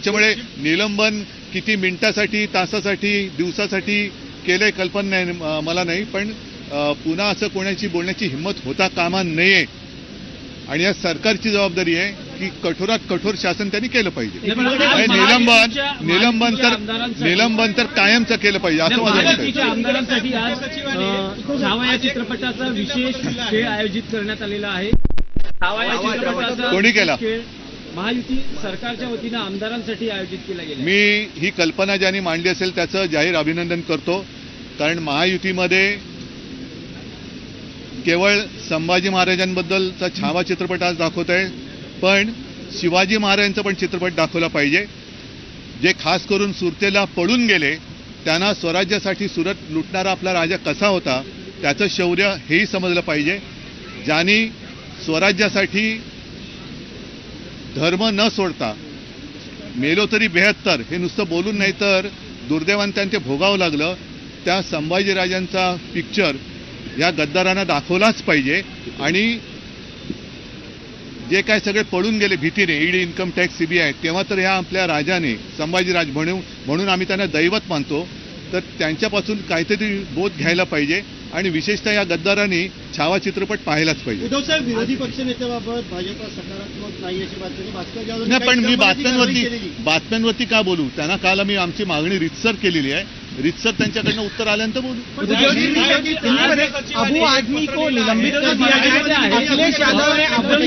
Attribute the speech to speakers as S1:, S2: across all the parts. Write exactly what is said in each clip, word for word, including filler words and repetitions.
S1: त्याच्यामुळे निलंबन किती मिनिटासाठी, तासासाठी, दिवसासाठी केलंय कल्पना नाही मला नाही, पण पुन्हा असं कोणाची बोलण्याची हिंमत होता कामा नये आणि या सरकारची जबाबदारी आहे की कठोरात कठोर शासन त्यांनी केलं पाहिजे. निलंबन निलंबन तर निलंबन तर कायमचं केलं पाहिजे असं माझं मत आहे.
S2: आमदारांसाठी आज छावा या चित्रपटाचा विशेष खेळ आयोजित करण्यात आलेला आहे. छावा या चित्रपटाचा
S1: कोणी केला?
S2: महायुती सरकारच्या वतीनं आमदारांसाठी आयोजित केला गेला.
S1: मी ही कल्पना ज्यांनी मांडली असेल त्याचं जाहीर अभिनंदन करतो, कारण महायुतीमध्ये केवळ संभाजी महाराजांबद्दलचा छावा चित्रपट आज दाखवत आहे, पण शिवाजी महाराजांचा पण चित्रपट दाखवला पाहिजे. जे खास करून सुरतेला पळून गेले, त्यांना स्वराज्यासाठी सुरत लुटणारा आपला राजा कसा होता त्याचं शौर्य हेही समजलं पाहिजे. ज्यांनी स्वराज्यासाठी धर्म न सोडता मेलो तरी बेहत्तर हे नुसतं बोलून नाही तर दुर्दैवाने त्यांना ते भोगावं लागलं, त्या संभाजीराजांचा पिक्चर या गद्दारांना दाखवलाच पाहिजे. आणि जे काय सगळे पळून गेले भीतीने, ईडी, इन्कम टॅक्स, सीबीआय, तेव्हा तर ह्या आपल्या राजाने संभाजीराज म्हणून म्हणून आम्ही त्यांना दैवत मानतो, तर त्यांच्यापासून काहीतरी बोध घ्यायला पाहिजे आणि विशेषतः या गद्दारांनी छावा चित्रपट पाहायलाच पाहिजे.
S3: उद्धव साहेब, विरोधी पक्षनेत्याबाबत भाजपा सकारात्मक नाही अशी बातमी भास्कर जाधव
S1: नाही, पण मी बातम्यांवरती बातम्यांवरती का बोलू? त्यांना काल आम्ही आमची मागणी रितसर केलेली आहे, रितसर त्यांच्याकडनं उत्तर आल्यानंतर बोलू.
S3: अबू आदमी को निलंबित कर दिया गया है. अखिलेश यादव ने अपनी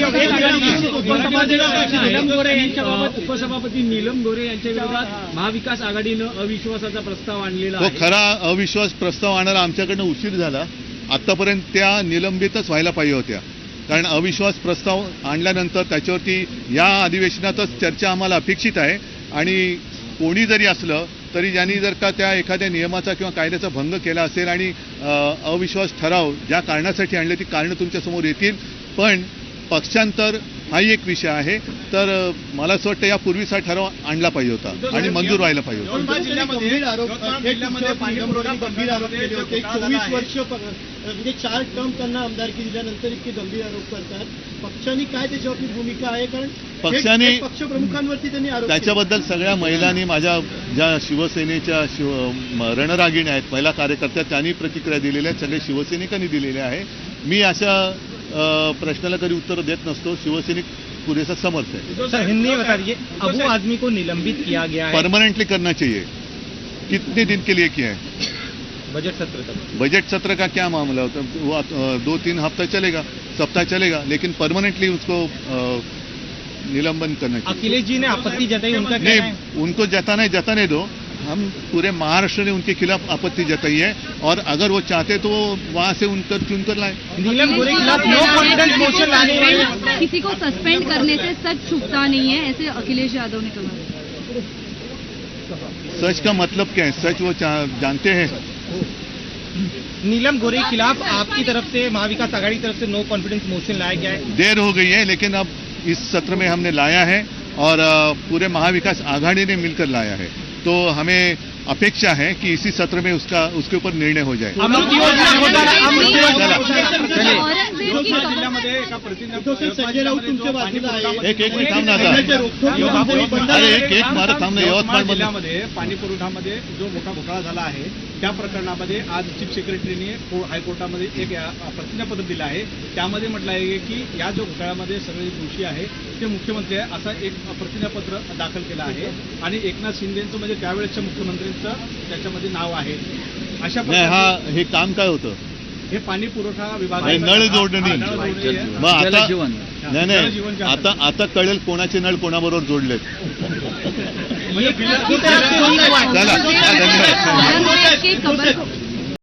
S2: नीलम गोरे यांच्याबाबत उपसभापती नीलम गोरे यांच्या विरोधात महाविकास आघाडीनं अविश्वासाचा प्रस्ताव आणलेला आहे.
S1: तो खरा अविश्वास प्रस्ताव आणायला आमच्याकडनं उशीर झाला. आतापर्यंत त्या निलंबितच व्हायला पाहिजे होत्या, कारण अविश्वास प्रस्ताव आणल्यानंतर त्याच्यावरती या अधिवेशनातच चर्चा आम्हाला अपेक्षित आहे. आणि कोणी जरी असलं तरी ज्यांनी जर का त्या एखाद्या नियमाचा किंवा कायद्याचा भंग केला असेल आणि अविश्वास ठराव ज्या कारणासाठी आणले ती कारणं तुमच्यासमोर येतील. पण पक्षांतर हाही एक विषय आहे, तर मला असं वाटतं यापूर्वीचा ठराव आणला पाहिजे होता आणि मंजूर व्हायला पाहिजे होता.
S3: गंभीर आरोप गंभीर आरोप केले होते. चोवीस वर्ष म्हणजे चार टर्म त्यांना आमदारकी दिल्यानंतर इतके गंभीर आरोप करतात. पक्षांनी काय त्याच्यावरती भूमिका आहे? कारण
S1: पक्षाने
S3: पक्षप्रमुखांवरती त्यांनी आरोप
S1: त्याच्याबद्दल सगळ्या महिलांनी, माझ्या ज्या शिवसेनेच्या शिव रणरागिण्या आहेत, महिला कार्यकर्त्या, त्यांनी प्रतिक्रिया दिलेल्या आहेत, सगळे शिवसैनिकांनी दिलेल्या आहे. मी अशा प्रश्नाला कधी उत्तर देत नसतो. शिवसैनिक पुरेसा समर्थ है.
S3: सर, हिंदी में बता दीजिए, अबू आदमी को निलंबित किया गया है,
S1: परमानेंटली करना चाहिए. कितने दिन के लिए किया है?
S3: बजट सत्र तक.
S1: बजट सत्र का क्या मामला होता? वो दो तीन हफ्ता चलेगा, सप्ताह चलेगा, लेकिन परमानेंटली उसको निलंबन करना चाहिए.
S3: अखिलेश जी ने आपत्ति जताई, उनका क्या
S1: नहीं,
S3: है?
S1: उनको जताने जताने दो. हम पूरे महाराष्ट्र ने उनके खिलाफ आपत्ति जताई है और अगर वो चाहते तो वहां से उनकर चुनकर लाए.
S3: नीलम गोरे के खिलाफ नो कॉन्फिडेंस मोशन लाने वाले
S4: किसी को सस्पेंड करने से सच छुपता नहीं है, ऐसे अखिलेश यादव ने कहा.
S1: सच का मतलब क्या है? सच वो जानते हैं.
S3: नीलम गोरे के खिलाफ आपकी तरफ से, महाविकास आघाड़ी की तरफ से नो कॉन्फिडेंस मोशन लाया गया है.
S1: देर हो गई है, लेकिन अब इस सत्र में हमने लाया है और पूरे महाविकास आघाड़ी ने मिलकर लाया है. तो हमें अपेक्षा है कि इसी सत्र में उसका उसके ऊपर निर्णय हो जाए. एक एक मिनिट थांब ना आता. अरे एक एक मारत थांब ना. यवतमाळ
S5: जिल्ह्यामध्ये पाणी पुरवठ्यामध्ये जो मोठा घोटाळा झाला आहे त्या प्रकरणामध्ये आज चीफ सेक्रेटरीने हायकोर्टामध्ये एक प्रतिज्ञापत्र दिलं आहे. त्यामध्ये म्हटलं आहे की या जो घोटाळ्यामध्ये सगळे दोषी आहे ते मुख्यमंत्री आहे असं एक प्रतिज्ञापत्र दाखल केलं आहे. आणि एकनाथ शिंदेचं म्हणजे त्यावेळेसच्या मुख्यमंत्र्यांचं त्याच्यामध्ये नाव आहे. अशा
S1: प्रकारे हे काम काय होतं?
S5: हे पाणी पुरवठा विभाग
S1: नळ जोडणी. मग आता नाही नाही आता आता कळेल कोणाचे नळ कोणाबरोबर जोडलेत. चला, धन्यवाद.